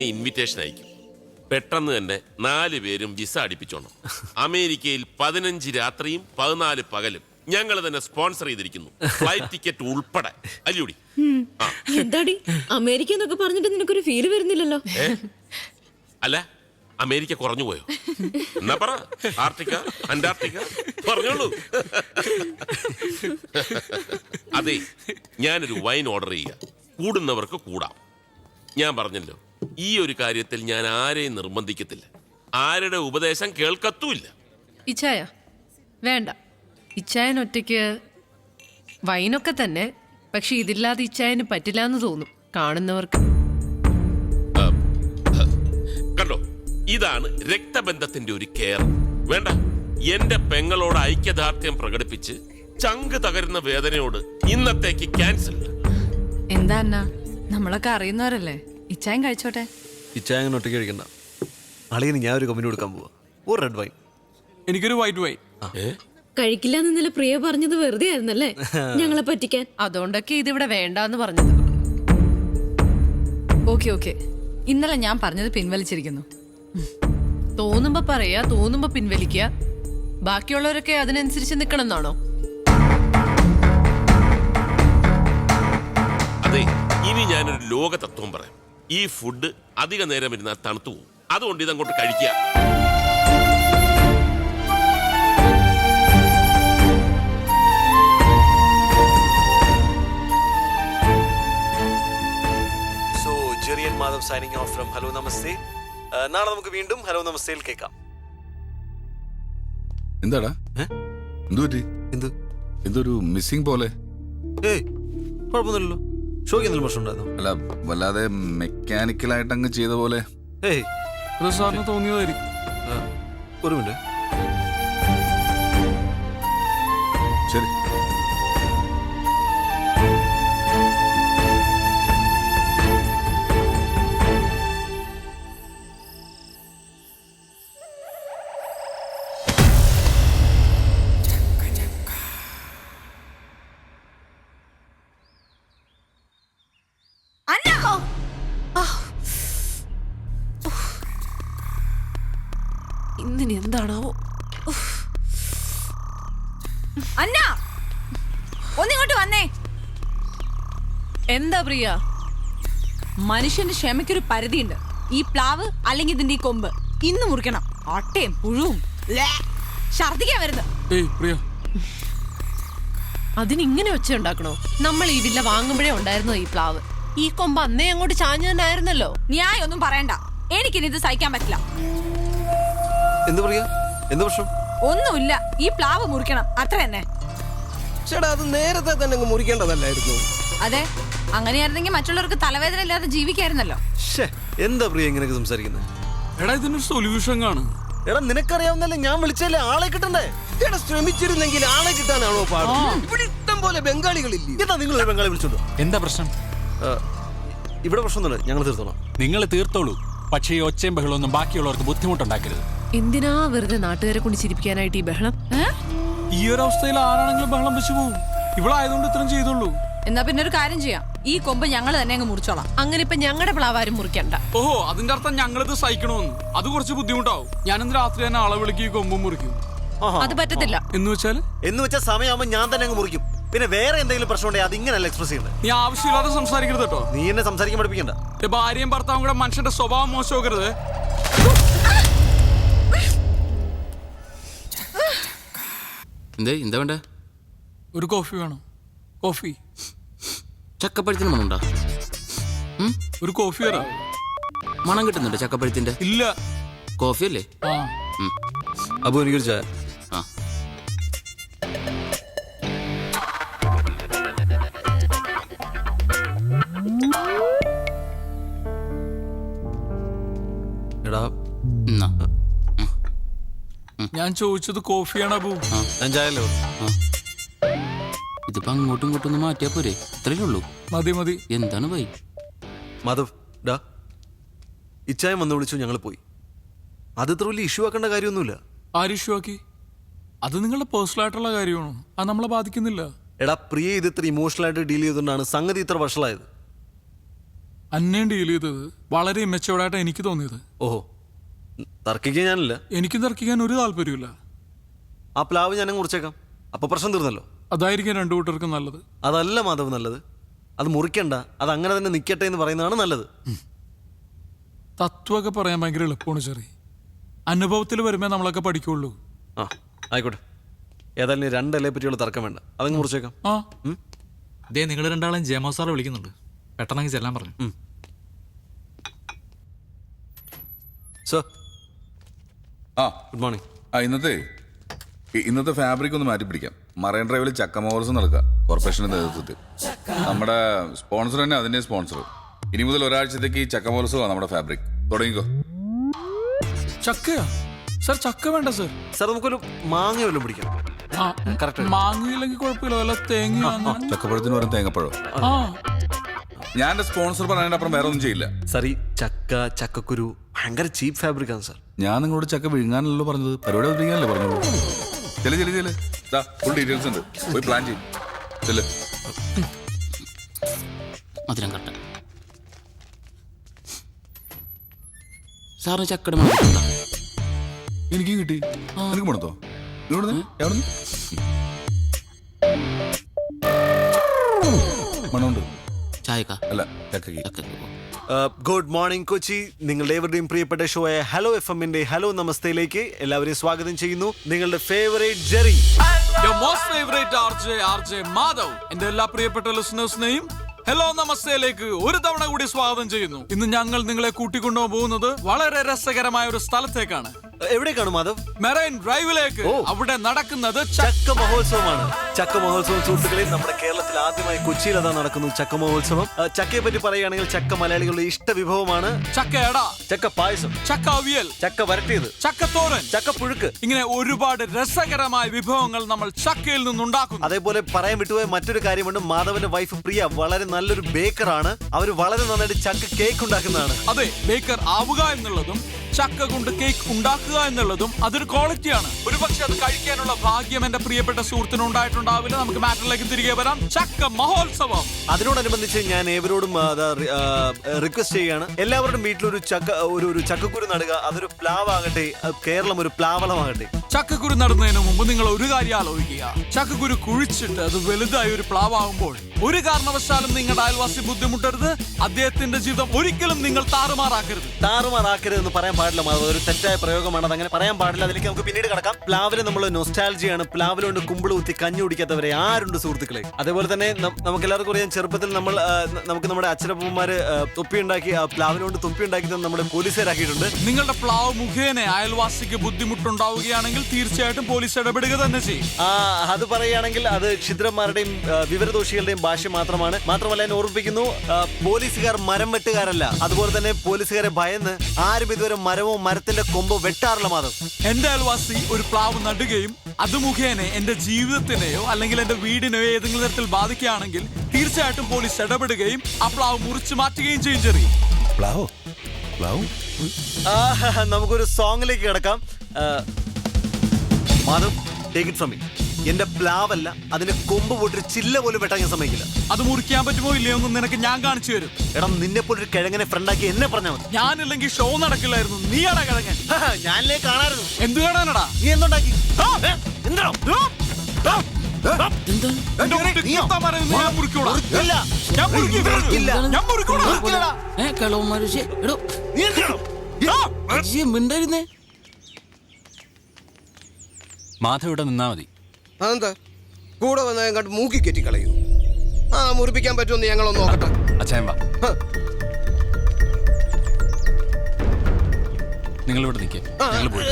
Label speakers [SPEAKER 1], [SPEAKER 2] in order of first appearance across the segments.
[SPEAKER 1] Invitation അയക്കും. പെട്ടെന്ന് തന്നെ 4 പേരും വിസ അടിപ്പിച്ചോണം. അമേരിക്കയിൽ 15 രാത്രിയും 14 പകലും ഞങ്ങൾ തന്നെ സ്പോൺസർ ചെയ്തിരിക്കുന്നു, ഫ്ലൈറ്റ് ടിക്കറ്റ് ഉൾപ്പെടെ. അല്ലൂടി
[SPEAKER 2] എന്താടി അമേരിക്ക എന്നൊക്കെ പറഞ്ഞിട്ട് നിനക്കൊരു ഫീല് വരുന്നില്ലല്ലോ?
[SPEAKER 1] അല്ല, അമേരിക്ക കുറഞ്ഞു പോയോ? എന്നാ പറ, ആർട്ടിക്ക അന്റാർട്ടിക്ക പറഞ്ഞോളൂ. അതെ, ഞാനൊരു വൈൻ ഓർഡർ ചെയ്യുക, കൂടുന്നവർക്ക് കൂടാം. ഞാൻ പറഞ്ഞല്ലോ, ഈ ഒരു കാര്യത്തിൽ ഞാൻ ആരെയും നിർബന്ധിക്കത്തില്ല, ആരുടെ ഉപദേശം കേൾക്കത്തുമില്ല.
[SPEAKER 3] ഇച്ചായ വേണ്ട, ഇച്ചായൻ ഒറ്റയ്ക്ക് വൈനൊക്കെ തന്നെ, പക്ഷെ ഇതില്ലാതെ ഇച്ചായന് പറ്റില്ല എന്ന് തോന്നും കാണുന്നവർക്ക്.
[SPEAKER 1] കണ്ടോ, ഇതാണ് രക്തബന്ധത്തിന്റെ ഒരു കെയർ. വേണ്ട, എന്റെ പെങ്ങളോട് ഐക്യദാർഢ്യം പ്രകടിപ്പിച്ച് ചങ്ക് തകരുന്ന വേദനയോട് ഇന്നത്തേക്ക് ക്യാൻസൽ.
[SPEAKER 4] എന്താ അണ്ണാ, നമ്മളൊക്കെ അറിയുന്നവരല്ലേ, ഇച്ചായൻ കഴിച്ചോട്ടെ.
[SPEAKER 5] ഇച്ചായൻ ഒറ്റയ്ക്ക് കഴിക്കണ്ട. അളിയന് ഞാൻ ഒരു കമ്പനി കൊടുക്കാൻ പോവാ, ഒരു റെഡ് വൈൻ.
[SPEAKER 6] എനിക്കൊരു വൈറ്റ് വൈൻ.
[SPEAKER 2] കഴിക്കില്ല എന്നില്ല പ്രിയ പറഞ്ഞത് വെറുതെ ആയിരുന്നല്ലേ, ഞങ്ങളെ പറ്റിക്കാൻ.
[SPEAKER 3] അതുകൊണ്ടൊക്കെ ഇതിവിടെ വേണ്ടാന്ന് പറഞ്ഞത്.
[SPEAKER 4] ഓക്കെ, ഇന്നലെ ഞാൻ പറഞ്ഞത് പിൻവലിച്ചിരിക്കുന്നു.
[SPEAKER 3] തോന്നുമ്പോ പറയാ, തോന്നുമ്പോ പിൻവലിക്കുക. ബാക്കിയുള്ളവരൊക്കെ അതിനനുസരിച്ച് നിക്കണം എന്നാണോ?
[SPEAKER 1] അതെ, ഇനി ഞാനൊരു ലോക തത്വം പറയാം. ഈ ഫുഡ് അധിക നേരം ഇരുന്നാൽ തണുത്തു പോകും, അതുകൊണ്ട് ഇതങ്ങോട്ട് കഴിക്കുക.
[SPEAKER 5] Jerry and Madhav signing off from hello Namaste. നാളെ നമുക്ക് വീണ്ടും ഹലോ നമസ്തേയിൽ കേൾക്കാം.
[SPEAKER 7] എന്താടാ എന്തൊരു മിസ്സിംഗ് പോലെ?
[SPEAKER 5] ഏയ് കുഴപ്പമൊന്നുമില്ലല്ലോ. ഷോയ്ക്ക് എന്തെങ്കിലും പ്രശ്നം ഉണ്ടായിരുന്നു?
[SPEAKER 7] അല്ല, വല്ലാതെ മെക്കാനിക്കലായിട്ട് അങ്ങ് ചെയ്ത പോലെ.
[SPEAKER 5] ഏയ്
[SPEAKER 6] അത് സാറിന് തോന്നിയതായിരിക്കും.
[SPEAKER 5] ഒരു മിനിറ്റ്.
[SPEAKER 7] ശരി.
[SPEAKER 3] ഇന്നിനി എന്താണാവോ?
[SPEAKER 4] അന്നാ, ഒന്നിങ്ങോട്ട് വന്നേ.
[SPEAKER 3] എന്താ പ്രിയ?
[SPEAKER 4] മനുഷ്യന്റെ ക്ഷമയ്ക്കൊരു പരിധിയുണ്ട്. ഈ പ്ലാവ് അല്ലെങ്കിൽ ഇതിന്റെ ഈ കൊമ്പ് ഇന്ന് മുറിക്കണം. അട്ടയും പുഴുവും ഛർദിക്കാൻ വരുന്നത്.
[SPEAKER 6] ഏയ് പ്രിയ,
[SPEAKER 3] അതിനിങ്ങനെ ഒച്ച ഉണ്ടാക്കണോ? നമ്മൾ ഈ വില്ല വാങ്ങുമ്പോഴേ ഉണ്ടായിരുന്നോ ഈ പ്ലാവ്? ഈ കൊമ്പ് അന്നേ അങ്ങോട്ട് ചാഞ്ഞു തന്നെ ആയിരുന്നല്ലോ.
[SPEAKER 4] ന്യായം ഒന്നും പറയണ്ട, എനിക്കിനി ഇത് സഹിക്കാൻ പറ്റില്ല.
[SPEAKER 5] എന്ത് പറയാ? എന്ത് പ്രശ്നം?
[SPEAKER 4] ഒന്നുമില്ല, ഈ പ്ലാവ് മുറിക്കണം, അത്ര തന്നെ.
[SPEAKER 8] ചേട്ടാ, അത് നേരത്തെ തന്നെ മുറിക്കേണ്ടതല്ലായിരുന്നു?
[SPEAKER 4] അതെ, അങ്ങനെയായിരുന്നെങ്കിൽ മറ്റുള്ളവർക്ക് തലവേദന ഇല്ലാതെ ജീവിക്കായിരുന്നല്ലോ.
[SPEAKER 5] എന്താ പ്രിയ ഇങ്ങനെയൊക്കെ സംസാരിക്കുന്നത്?
[SPEAKER 6] എടാ ഇതിനൊരു സൊല്യൂഷൻ കാണും.
[SPEAKER 5] എടാ നിനക്കറിയാവുന്നല്ലേ, ഞാൻ വിളിച്ചല്ലേ, ആളെ കിട്ടണ്ടേ?
[SPEAKER 8] ചേട്ടാ, ശ്രമിച്ചിരുന്നെങ്കിൽ ആളെ കിട്ടാനാണോ പാട്? ഇവിടെ ഇഷ്ടം പോലെ ബംഗാളികളില്ലേ?
[SPEAKER 5] എന്താ നിങ്ങൾ ഒരു ബംഗാളി വിളിച്ചോണ്ടോ?
[SPEAKER 9] എന്താ പ്രശ്നം?
[SPEAKER 5] ഇവിടെ പ്രശ്നമൊന്നുമില്ല, ഞങ്ങൾ തീർത്തോളാം.
[SPEAKER 9] നിങ്ങൾ തീർത്തോളൂ, പക്ഷേ ഈ ഒച്ചയും ബഹളമൊന്നും ബാക്കിയുള്ളവർക്ക് ബുദ്ധിമുട്ടുണ്ടാക്കരുത്.
[SPEAKER 3] എന്തിനാ വെറുതെ നാട്ടുകാരെ കൊണ്ട് ചിരിപ്പിക്കാനായിട്ട് ഈ ബഹളം?
[SPEAKER 6] ഈ ഒരു അവസ്ഥയിൽ ആരാണെങ്കിലും ബഹളം വെച്ചു പോകും. ഇവിടെ ആയതുകൊണ്ട് ഇത്രയും ചെയ്തുള്ളൂ.
[SPEAKER 4] എന്നാ പിന്നെ ഒരു കാര്യം ചെയ്യാം, ഈ കൊമ്പ് ഞങ്ങൾ തന്നെ അങ്ങ് മുറിച്ചോളാം.
[SPEAKER 3] അങ്ങനെ ഇപ്പൊ ഞങ്ങളുടെ പ്ലാവാരും മുറിക്കണ്ട.
[SPEAKER 6] ഓഹോ, അതിന്റെ അർത്ഥം ഞങ്ങളിത് സഹിക്കണമെന്ന്. അത് കുറച്ച് ബുദ്ധിമുട്ടാവും. ഞാനിന്ന് രാത്രി തന്നെ ആളെ വിളിക്കും, ഈ കൊമ്പും മുറിക്കും.
[SPEAKER 3] അത് പറ്റത്തില്ല.
[SPEAKER 6] എന്ന്
[SPEAKER 5] വെച്ചാൽ സമയമാകുമ്പോൾ ഞാൻ തന്നെ അങ്ങ് മുറിക്കും. പിന്നെ വേറെ എന്തെങ്കിലും പ്രശ്നം ഉണ്ടെങ്കിൽ അത് ഇങ്ങനെയല്ല എക്സ്പ്രസ് ചെയ്യണ്ടേ.
[SPEAKER 6] നീ ആവശ്യമില്ലാതെ സംസാരിക്കരുത് കേട്ടോ.
[SPEAKER 5] നീ എന്നെ സംസാരിക്കാൻ പഠിപ്പിക്കണ്ട.
[SPEAKER 6] ഭാര്യയും ഭർത്താവും കൂടെ മനുഷ്യന്റെ സ്വഭാവം മോശമാക്കരുത്.
[SPEAKER 10] എന്താ വേണ്ട?
[SPEAKER 6] ഒരു കോഫി വേണം. കോഫി.
[SPEAKER 10] ചക്കപ്പഴത്തിന് മണമുണ്ടോ?
[SPEAKER 6] ഒരു കോഫി തരാം.
[SPEAKER 10] മണം കിട്ടുന്നുണ്ടോ ചക്കപ്പഴത്തിന്റെ?
[SPEAKER 6] ഇല്ല.
[SPEAKER 10] കോഫി അല്ലേ?
[SPEAKER 5] അപ്പൊ എനിക്കൊരു ചായ. എടാ,
[SPEAKER 6] ഞാൻ ചോദിച്ചത് കോഫിയാണ് അബു.
[SPEAKER 5] ഞാൻ ചായല്ലോ.
[SPEAKER 10] ഇതിപ്പോ അങ്ങോട്ടും ഇങ്ങോട്ടും ഒന്ന് മാറ്റിയാ പോരെ? ഇത്രയേ ഉള്ളൂ.
[SPEAKER 6] മതി.
[SPEAKER 10] എന്താണ് വൈ?
[SPEAKER 5] മാധവ്, ഡാ, ഇച്ചായം വന്ന് വിളിച്ചു, ഞങ്ങൾ പോയി. അത് ഇത്ര വലിയ ഇഷ്യൂ ആക്കേണ്ട കാര്യമൊന്നുമില്ല.
[SPEAKER 6] ആര് ഇഷ്യൂ ആക്കി? അത് നിങ്ങളുടെ പേഴ്സണൽ ആയിട്ടുള്ള കാര്യമാണ്, അത് നമ്മളെ ബാധിക്കുന്നില്ല.
[SPEAKER 5] എടാ പ്രിയ, ഇത് ഇത്ര ഇമോഷണൽ ആയിട്ട് ഡീൽ ചെയ്തുകൊണ്ടാണ് സംഗതി ഇത്ര വഷളായത്.
[SPEAKER 6] അന്നേം ഡീൽ ചെയ്തത് വളരെ മെച്ചോർഡായിട്ടാണ് എനിക്ക് തോന്നിയത്.
[SPEAKER 5] ഓഹോ, തർക്കിക്കാൻ ഞാനില്ല.
[SPEAKER 6] എനിക്കും തർക്കിക്കാൻ ഒരു താല്പര്യമില്ല.
[SPEAKER 5] ആ പ്ലാവ് ഞാനും മുറിച്ചേക്കാം, അപ്പൊ പ്രശ്നം തീർന്നല്ലോ.
[SPEAKER 6] അതായിരിക്കും രണ്ടു കൂട്ടർക്കും നല്ലത്.
[SPEAKER 5] അതല്ല മാധവ് നല്ലത്, അത് മുറിക്കണ്ട, അത് അങ്ങനെ തന്നെ നിൽക്കട്ടെ എന്ന് പറയുന്നതാണ് നല്ലത്.
[SPEAKER 6] തത്വമൊക്കെ പറയാൻ ഭയങ്കര എളുപ്പമാണ് ചെറി. അനുഭവത്തിൽ വരുമ്പോ നമ്മളൊക്കെ പഠിക്കുള്ളൂ.
[SPEAKER 5] ആ ആയിക്കോട്ടെ, ഏതായാലും 2 ഇലയെ പറ്റിയുള്ള തർക്കം വേണ്ട, അതങ്ങ് മുറിച്ചേക്കാം.
[SPEAKER 6] ആ
[SPEAKER 11] ദേ നിങ്ങൾ രണ്ടാളും ജയമോ സാറെ വിളിക്കുന്നുണ്ട്, പെട്ടെന്ന് ചെല്ലാൻ പറഞ്ഞു.
[SPEAKER 5] സർ
[SPEAKER 7] ആ
[SPEAKER 5] ഗുഡ് മോർണിംഗ്.
[SPEAKER 7] ഇന്നത്തെ ഫാബ്രിക് ഒന്ന് മാറ്റി പിടിക്കാം. മറൈൻ ഡ്രൈവിൽ ചക്ക മഹോത്സവം നടക്കുക കോർപ്പറേഷന്റെ നേതൃത്വത്തിൽ. നമ്മുടെ സ്പോൺസർ തന്നെ അതിന്റെ സ്പോൺസർ. ഇനി മുതൽ ഒരാഴ്ചത്തേക്ക് ഈ ചക്ക മഹോത്സവമാണ് നമ്മുടെ ഫാബ്രിക്. തുടങ്ങിക്കോ.
[SPEAKER 6] ചക്കയാ സർ? ചക്ക വേണ്ട സർ.
[SPEAKER 5] സർ നമുക്കൊരു മാങ്ങ വല്ലതും പിടിക്കാം. കറക്റ്റ്.
[SPEAKER 6] മാങ്ങയില്ലെങ്കിൽ കുഴപ്പമില്ല, വല്ല തേങ്ങ.
[SPEAKER 7] ചക്കപ്പഴത്തിന് വരും തേങ്ങപ്പഴം.
[SPEAKER 6] ആ
[SPEAKER 7] ഞാൻ എന്റെ സ്പോൺസർ പറഞ്ഞതിന്റെ അപ്പുറം വേറെ ഒന്നും ചെയ്യില്ല.
[SPEAKER 5] സർ ഈ ചക്കക്കുരു ഭയങ്കര ചീപ്പ് ഫാബ്രിക് ആണ് സർ.
[SPEAKER 7] ഞാൻ നിങ്ങളോട് ചക്ക വിഴുങ്ങാനല്ലോ പറഞ്ഞത്, പരിപാടി അവതരിക്കാനല്ലേ പറഞ്ഞോളൂ. ചെല് ഫുൾ ഡീറ്റെയിൽസ് ഉണ്ട്, പോയി പ്ലാൻ ചെയ്യും. ചെല്.
[SPEAKER 10] മധുരം കട്ട സാറിന് ചക്കട മണ
[SPEAKER 7] എനിക്കും കിട്ടി. എനിക്ക് മണത്തോ? മണമുണ്ട്.
[SPEAKER 10] ചായക്ക
[SPEAKER 7] അല്ല ചക്കയ്ക്ക്.
[SPEAKER 10] ചക്കക്ക്
[SPEAKER 5] ഗുഡ് മോർണിംഗ് കൊച്ചി. നിങ്ങളുടെ ഏവരുടെയും പ്രിയപ്പെട്ട ഷോയായ ഹലോ FM-ന്റെ ഹലോ നമസ്തയിലേക്ക് എല്ലാവരെയും സ്വാഗതം ചെയ്യുന്നു. നിങ്ങളുടെ ഫേവറേറ്റ് ജെറി,
[SPEAKER 6] RJ മാധവ്, എന്റെ എല്ലാ പ്രിയപ്പെട്ട ലിസണേഴ്സിനെയും ഹലോ നമസ്തയിലേക്ക് ഒരു തവണ കൂടി സ്വാഗതം ചെയ്യുന്നു. ഇന്ന് ഞങ്ങൾ നിങ്ങളെ കൂട്ടിക്കൊണ്ടുപോകുന്നത് വളരെ രസകരമായ ഒരു സ്ഥലത്തേക്കാണ്.
[SPEAKER 5] എവിടേക്കാണ് മാധവ്?
[SPEAKER 6] മെറൈൻ ഡ്രൈവിലേക്ക്. അവിടെ നടക്കുന്നത്
[SPEAKER 5] ചക്ക മഹോത്സവമാണ്. ചക്ക മഹോത്സവം സുഹൃത്തുക്കളെ, നമ്മുടെ കേരളത്തിൽ ആദ്യമായി കൊച്ചിയിൽ അതാ നടക്കുന്നു ചക്ക മഹോത്സവം. ചക്കയെ പറ്റി പറയുകയാണെങ്കിൽ ചക്ക മലയാളികളുടെ ഇഷ്ട വിഭവമാണ്.
[SPEAKER 6] ചക്കയട,
[SPEAKER 5] ചക്ക പായസം,
[SPEAKER 6] ചക്ക അവിയൽ,
[SPEAKER 5] ചക്ക വരട്ടിയത്,
[SPEAKER 6] ചക്കത്തോരൻ,
[SPEAKER 5] ചക്ക പുഴുക്ക്,
[SPEAKER 6] ഇങ്ങനെ ഒരുപാട് രസകരമായ വിഭവങ്ങൾ നമ്മൾ ചക്കയിൽ നിന്നുണ്ടാക്കുന്നു.
[SPEAKER 5] അതേപോലെ പറയാൻ വിട്ടുപോയ മറ്റൊരു കാര്യമുണ്ട്. മാധവന്റെ വൈഫ് പ്രിയ വളരെ നല്ലൊരു ബേക്കറാണ്. അവര് വളരെ നന്നായിട്ട് ചക്ക കേക്ക് ഉണ്ടാക്കുന്നതാണ്.
[SPEAKER 6] അതെ, ബേക്കർ ആവുക എന്നുള്ളതും ചക്ക കൊണ്ട് കേക്ക് ഉണ്ടാക്കുക എന്നുള്ളതും അതൊരു ക്വാളിറ്റിയാണ്. ഒരുപക്ഷെ അത് കഴിക്കാനുള്ള ഭാഗ്യം എന്റെ പ്രിയപ്പെട്ട സുഹൃത്തിന് ഉണ്ടായിട്ടുണ്ടാവില്ല. നമുക്ക് മാറ്ററിലേക്ക് തിരികെ വരാം. ചക്ക മഹോത്സവം.
[SPEAKER 5] അതിനോടനുബന്ധിച്ച് ഞാൻ ഏവരോടും റിക്വസ്റ്റ് ചെയ്യുകയാണ്, എല്ലാവരുടെയും വീട്ടിലൊരു ഒരു ചക്കക്കുരു നടുക. അതൊരു പ്ലാവാകട്ടെ, കേരളം ഒരു പ്ലാവളമാകട്ടെ.
[SPEAKER 6] ചക്കക്കുരു നടുന്നതിന് മുമ്പ് നിങ്ങൾ ഒരു കാര്യം ആലോചിക്കുക. ചക്കക്കുരു കുഴിച്ചിട്ട് അത് വലുതായി ഒരു പ്ലാവാകുമ്പോൾ ഒരു കാരണവശാലും നിങ്ങളുടെ അയൽവാസി ബുദ്ധിമുട്ടരുത്. അദ്ദേഹത്തിന്റെ ജീവിതം ഒരിക്കലും നിങ്ങൾ
[SPEAKER 5] താറുമാറാക്കരുതെന്ന് പറയാൻ പാടില്ല മാധവ്. ഒരു തെറ്റായ പ്രയോഗമാണ്, അതങ്ങനെ പറയാൻ പാടില്ല. അതിലേക്ക് നമുക്ക് പിന്നീട് കടക്കാം. പ്ലാവിന് നമ്മൾ നൊസ്റ്റാൾജിയാണ്. പ്ലാവിൽ കൊണ്ട് കുമ്പിള് കുത്തി കഞ്ഞി കുടിക്കാത്തവരെ ആരുണ്ട് സുഹൃത്തുക്കളെ? അതേപോലെ തന്നെ നമുക്ക് എല്ലാവർക്കും അറിയാം, ചെറുപ്പത്തിൽ നമുക്ക് നമ്മുടെ അച്ഛനപ്പന്മാര് തൊപ്പി ഉണ്ടാക്കി, പ്ലാവിനോണ്ട് തൊപ്പി ഉണ്ടാക്കി നമ്മുടെ പോലീസുകാരാക്കിയിട്ടുണ്ട്.
[SPEAKER 6] നിങ്ങളുടെ പ്ലാവ് മുഖേന അയൽവാസിക്ക് ബുദ്ധിമുട്ടുണ്ടാവുകയാണെങ്കിൽ തീർച്ചയായിട്ടും പോലീസ് ഇടപെടുക തന്നെ ചെയ്യും.
[SPEAKER 5] അത് പറയുകയാണെങ്കിൽ അത് ക്ഷുദ്രന്മാരുടെയും വിവരദോഷികളുടെയും ഭാഷ മാത്രമാണ്. മാത്രമല്ല ഞാൻ ഓർമ്മിപ്പിക്കുന്നു, പോലീസുകാർ മരം വെട്ടുകാരല്ല. അതുപോലെ തന്നെ പോലീസുകാരെ ഭയന്ന് ആരും ഇതുവരെ മരമോ മരത്തിന്റെ കൊമ്പോ വെട്ടാറില്ല മാധവ്.
[SPEAKER 6] എന്റെ അയൽവാസി ഒരു പ്ലാവ് നടുകയും അത് മുഖേന എന്റെ ജീവിതത്തിനെയോ അല്ലെങ്കിൽ എന്റെ വീടിനെയോ ഏതെങ്കിലും തരത്തിൽ ബാധിക്കുകയാണെങ്കിൽ തീർച്ചയായിട്ടും പോലീസ് ഇടപെടുകയും ആ പ്ലാവ് മുറിച്ചു മാറ്റുകയും ചെയ്യും. ചെറിയ
[SPEAKER 5] നമുക്കൊരു സോങ്ങിലേക്ക് കിടക്കാം. Madhav, take it from me. എന്റെ പ്ലാവല്ല, അതിന്റെ കൊമ്പ് പോട്ടൊരു ചില്ല പോലും വെട്ടാൻ ഞാൻ സമ്മതിക്കില്ല.
[SPEAKER 6] അത് മുറിക്കാൻ പറ്റുമോ ഇല്ലയോ എന്ന് നിനക്ക് ഞാൻ കാണിച്ചു തരും.
[SPEAKER 5] എടാ, നിന്നെ പോലൊരു കിഴങ്ങനെ ഫ്രണ്ടാക്കി എന്നെ പറഞ്ഞാൽ മതി.
[SPEAKER 6] ഞാനില്ലെങ്കിൽ ഷോ നടക്കില്ലായിരുന്നു. നീയാടാ കിഴങ്ങൻ.
[SPEAKER 5] ഞാനല്ലേ കാണാറുണ്ട്.
[SPEAKER 6] എന്ത് കാണാനടാ?
[SPEAKER 5] നീ എന്തുണ്ടാക്കി?
[SPEAKER 10] മിണ്ടായിരുന്നേ.
[SPEAKER 9] മാധവ് ഇവിടെ നിന്നാ മതി.
[SPEAKER 8] അതെന്താ കൂടെ വന്ന കണ്ട് മൂക്കി കെറ്റി കളയൂ? മുറിപ്പിക്കാൻ പറ്റുമെന്ന് ഞങ്ങളൊന്ന് നോക്കട്ടെ.
[SPEAKER 9] അച്ഛൻ വാ, നിങ്ങൾ ഇവിടെ നിൽക്കേ, ഞങ്ങൾ പോയി.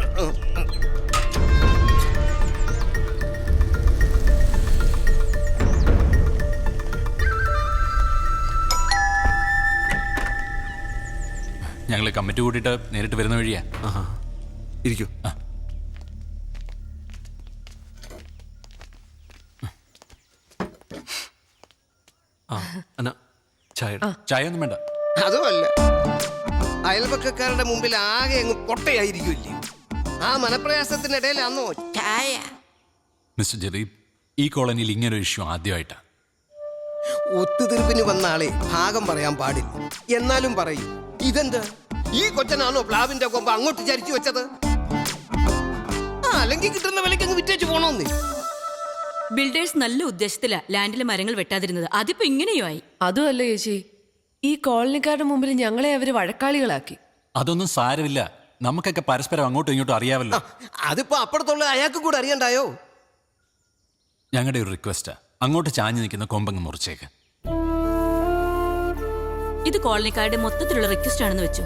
[SPEAKER 9] ഞങ്ങൾ കമ്മിറ്റി കൂട്ടിയിട്ട് നേരിട്ട് വരുന്ന വഴിയാ.
[SPEAKER 5] ഇരിക്കൂ.
[SPEAKER 9] ചായ ഒന്നും വേണ്ട.
[SPEAKER 8] അതുമല്ല, അയൽപക്കക്കാരുടെ മുമ്പിൽ ആകെ അങ്ങ് പൊട്ടയായിരിക്കില്ലേ? ആ മനപ്രയാസത്തിനിടയിൽ അന്നോ ചായ.
[SPEAKER 9] മിസ്റ്റർ ജെറി, ഈ കോളനിയിൽ ഇങ്ങനൊരു ഇഷ്യൂ ആദ്യമായിട്ടാണ്.
[SPEAKER 8] ഒത്തുതീർപ്പിന് വന്ന ആളെ ഭാഗം പറയാൻ പാടില്ല. എന്നാലും പറയും, ഇതെന്താ ഈ കൊച്ചനാണോ പ്ലാവിന്റെ കൊമ്പ് അങ്ങോട്ട് ചരിച്ചു വെച്ചത്? അല്ലെങ്കിൽ കിട്ടുന്ന വിലക്ക് അങ്ങ് വിറ്റേച്ച് പോണോന്ന്.
[SPEAKER 4] ബിൽഡേഴ്സ് നല്ല ഉദ്ദേശത്തിലാ ലാൻഡിലെ മരങ്ങൾ വെട്ടാതിരുന്നത്. അതിപ്പോ ഇങ്ങനെയോ ആയി.
[SPEAKER 3] അതുമല്ല ചേച്ചി, ഈ കോളനിക്കാരുടെ മുമ്പിൽ ഞങ്ങളെ അവര് വഴക്കാളികളാക്കി.
[SPEAKER 9] അതൊന്നും സാരമില്ല, നമുക്കൊക്കെ പരസ്പരം അങ്ങോട്ടും ഇങ്ങോട്ടും അറിയാമല്ലോ.
[SPEAKER 8] അതിപ്പോ അപ്പുറത്തുള്ള അയാൾക്ക് കൂടെ അറിയണ്ടായോ?
[SPEAKER 9] ഞങ്ങളുടെ ഒരു റിക്വസ്റ്റാ, അങ്ങോട്ട് ചാഞ്ഞു നിൽക്കുന്ന കൊമ്പങ്ങ് മുറിച്ചേക്ക്.
[SPEAKER 4] ഇത് കോളനിക്കാരുടെ മൊത്തത്തിലുള്ള റിക്വസ്റ്റ് ആണെന്ന് വെച്ചു.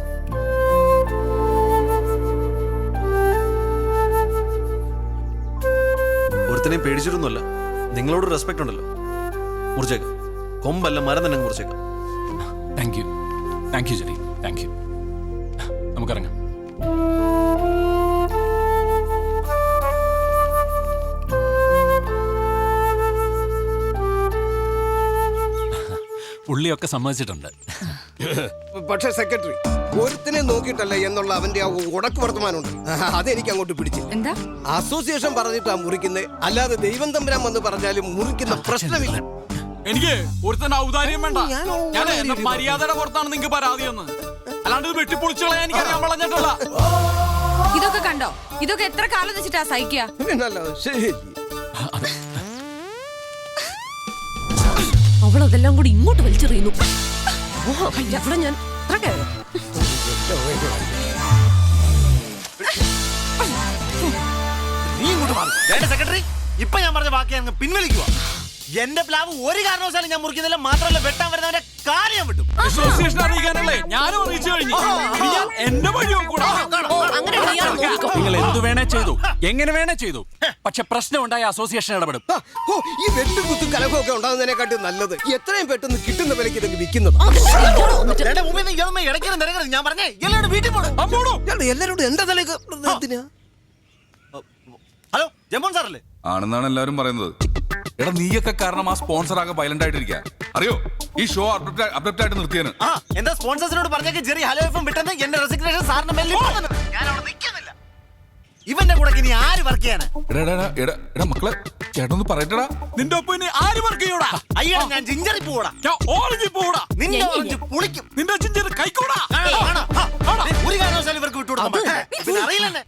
[SPEAKER 5] ഒരുത്തനെയും പേടിച്ചിട്ടൊന്നുമല്ല, നിങ്ങളോട് റെസ്പെക്ട് ഉണ്ടല്ലോ. മുറിച്ചേക്കാം, കൊമ്പല്ല മരം തന്നെ മുറിച്ചേക്കാം.
[SPEAKER 9] Thank you Jerry, thank you. നമുക്കിറങ്ങാം. പുള്ളിയൊക്കെ സമ്മതിച്ചിട്ടുണ്ട്.
[SPEAKER 8] പക്ഷെ സെക്രട്ടറി, ഒരുത്തിനെ നോക്കിയിട്ടല്ല എന്നുള്ള അവന്റെ ആ ഉടക്ക് വർത്തമാനമുണ്ട്, അതെനിക്ക് അങ്ങോട്ട് പിടിച്ചു.
[SPEAKER 4] എന്താ
[SPEAKER 8] അസോസിയേഷൻ പറഞ്ഞിട്ടാ മുറിക്കുന്നത്, അല്ലാതെ ദൈവം തമ്പുരാൻ വന്ന് പറഞ്ഞാലും മുറിക്കുന്ന പ്രശ്നമില്ല.
[SPEAKER 6] എനിക്ക് ഒരുത്തന്റെ ഔദാര്യം വേണ്ട. ഞാൻ എന്റെ മര്യാദയുടെ പുറത്താണ് നിങ്ങൾക്ക് പരാതി എന്ന്, അല്ലാണ്ട് ഇത് വെട്ടിപ്പൊളിച്ചുകളെ എനിക്കറിയാൻ വളഞ്ഞിട്ടുള്ള.
[SPEAKER 4] ഇതൊക്കെ കണ്ടോ? ഇതൊക്കെ എത്ര കാലം വെച്ചിട്ടാ സഹിക്കുക?
[SPEAKER 8] പിന്നല്ലാതെ ശരി.
[SPEAKER 3] അവളതെല്ലാം കൂടി ഇങ്ങോട്ട് വലിച്ചെറിയുന്നു. അവിടെ ഞാൻ
[SPEAKER 5] നീ ഇങ്ങോട്ട് മാറി. സെക്രട്ടറി, ഇപ്പൊ ഞാൻ പറഞ്ഞ ബാക്കി അങ്ങ് പിൻവലിക്കുക. എന്റെ പ്ലാവ് ഒരു കാരണവശാലും ഞാൻ മുറിക്കുന്നില്ല. മാത്രമല്ല, വെട്ടാൻ വരുന്നവന്റെ കാര്യം ഞാൻ വിട്ടും.
[SPEAKER 6] അസോസിയേഷൻ അറിയിക്കാനല്ലേ ഞാനും അറിയിച്ചു കഴിഞ്ഞു. ഇനി ഞാൻ എന്റെ വഴിയോ കൂടാ.
[SPEAKER 9] നിങ്ങൾ എന്തു വേണേ ചെയ്തു, എങ്ങനെ വേണേ ചെയ്തു, പക്ഷെ പ്രശ്നം ഉണ്ടായ അസോസിയേഷൻ ഇടപെടും.
[SPEAKER 8] ഈ വെട്ടും കുത്തും കലഹമൊക്കെ ഉണ്ടാകുന്നതിനെക്കാട്ടും നല്ലത് എത്രയും പെട്ടെന്ന് കിട്ടുന്ന വിലക്ക് ഇതൊക്കെ വിൽക്കുന്നത്.
[SPEAKER 5] ഞാൻ പറഞ്ഞേ എല്ലാവരും വീട്ടിൽ പോണം.
[SPEAKER 8] എല്ലാരോടും എന്റെ തലേക്ക് എന്തിനാ?
[SPEAKER 5] ഹലോ, ജമ്പോൺ സാറല്ലേ?
[SPEAKER 7] ആണെന്നാണ് എല്ലാവരും പറയുന്നത്. എടാ, നീയൊക്കെ കാരണം ആ സ്പോൺസർ ആകെ വയലന്റ് ആയിട്ടിരിക്കുക. അറിയോ, ഈ ഷോ അബ്രപ്റ്റ് ആയിട്ട് നിർത്തിയാണ്.
[SPEAKER 5] എന്താ സ്പോൺസേഴ്സിനോട് പറഞ്ഞേക്ക് ജെറി ഹലോ എഫും വിട്ടെന്ന് എന്റെ റെസിഗ്നേഷൻ സാറിന് മെല്ലി ഞാൻ അവിടെ നിൽക്കുന്നില്ല. ഇവന്റെ കൂടെ ഇനി ആര് വർക്ക് ചെയ്യാനാ?
[SPEAKER 7] എടാ മക്കളെ, ചേട്ടനൊന്ന് പറയട്ടടാ.
[SPEAKER 6] നിന്റെ ഒപ്പം ഇനി ആര് വർക്ക് ചെയ്യൂടാ?
[SPEAKER 5] അയ്യോ, ഞാൻ ജിഞ്ചറി പോടാ,
[SPEAKER 6] ഞാൻ ഓറഞ്ച് പോടാ,
[SPEAKER 5] നിന്റെ ഓറഞ്ച് പുളിക്കും,
[SPEAKER 6] നിന്റെ ചിഞ്ചർ കൈക്കൂടാ.
[SPEAKER 5] ഒരു കാരണവശാലും ഇവർക്ക് വിട്ടുകൊടുക്കാൻ പിന്നെ അറിയില്ലെന്നെ.